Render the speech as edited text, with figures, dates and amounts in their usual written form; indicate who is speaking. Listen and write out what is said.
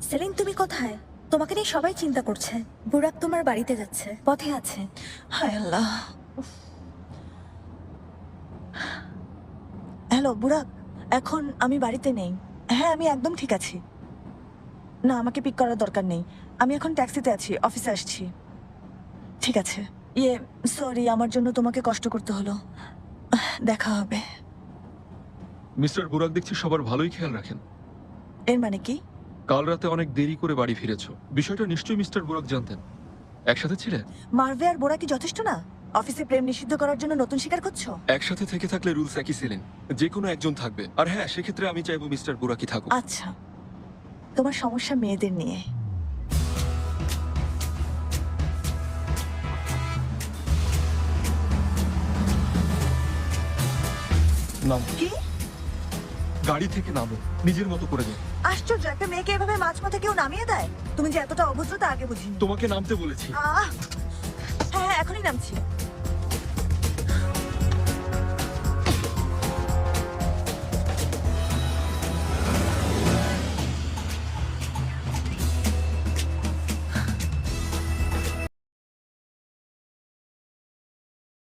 Speaker 1: Saline, তুমি কোথায়? তোমাকে নিয়ে সবাই চিন্তা করছে। বুরাক তোমার বাড়িতে যাচ্ছে, পথে আছে।
Speaker 2: হায় আল্লাহ। হ্যালো বুরাক, এখন আমি বাড়িতে নেই। হ্যাঁ, আমি একদম ঠিক আছি। না, আমাকে পিক করার দরকার নেই। আমি এখন ট্যাক্সিতে আছি, অফিসে আসছি। ঠিক আছে। সরি, আমার জন্য তোমাকে কষ্ট করতে হলো। দেখা হবে।
Speaker 3: মিস্টার বুরাক দেখছি সবার ভালোই খেয়াল রাখেন।
Speaker 2: এর মানে কি?
Speaker 3: কাল রাতে অনেক দেরি করে বাড়ি ফিরেছো, বিষয়টা নিশ্চয়ই মিস্টার বুরাক জানতেন। একসাথে ছিলেন?
Speaker 2: মার্ভে আর বোরা কি যথেষ্ট না? অফিসে প্রেম নিষিদ্ধ করার জন্য নতুন শিকার করছো?
Speaker 3: একসাথে থেকে থাকলে রুলস একই ছিলেন, যে কোনো একজন থাকবে। আর হ্যাঁ, সেক্ষেত্রে আমি চাইবো মিস্টার বুরাকই থাকুক।
Speaker 2: আচ্ছা, তোমার সমস্যা মেয়েদের নিয়ে।
Speaker 3: নাম,
Speaker 2: কি
Speaker 3: গাড়ি থেকে নামো, নিজের মতো করে যাও।
Speaker 2: আশ্চর্য, একটা মেয়েকে এভাবে মাঝপথে কেউ নামিয়ে দেয়? তুমি যে এতটা অভদ্র তা আগে বুঝিনি।
Speaker 3: তোমাকে নামতে বলেছি।
Speaker 2: হ্যাঁ হ্যাঁ, এখনই নামছি।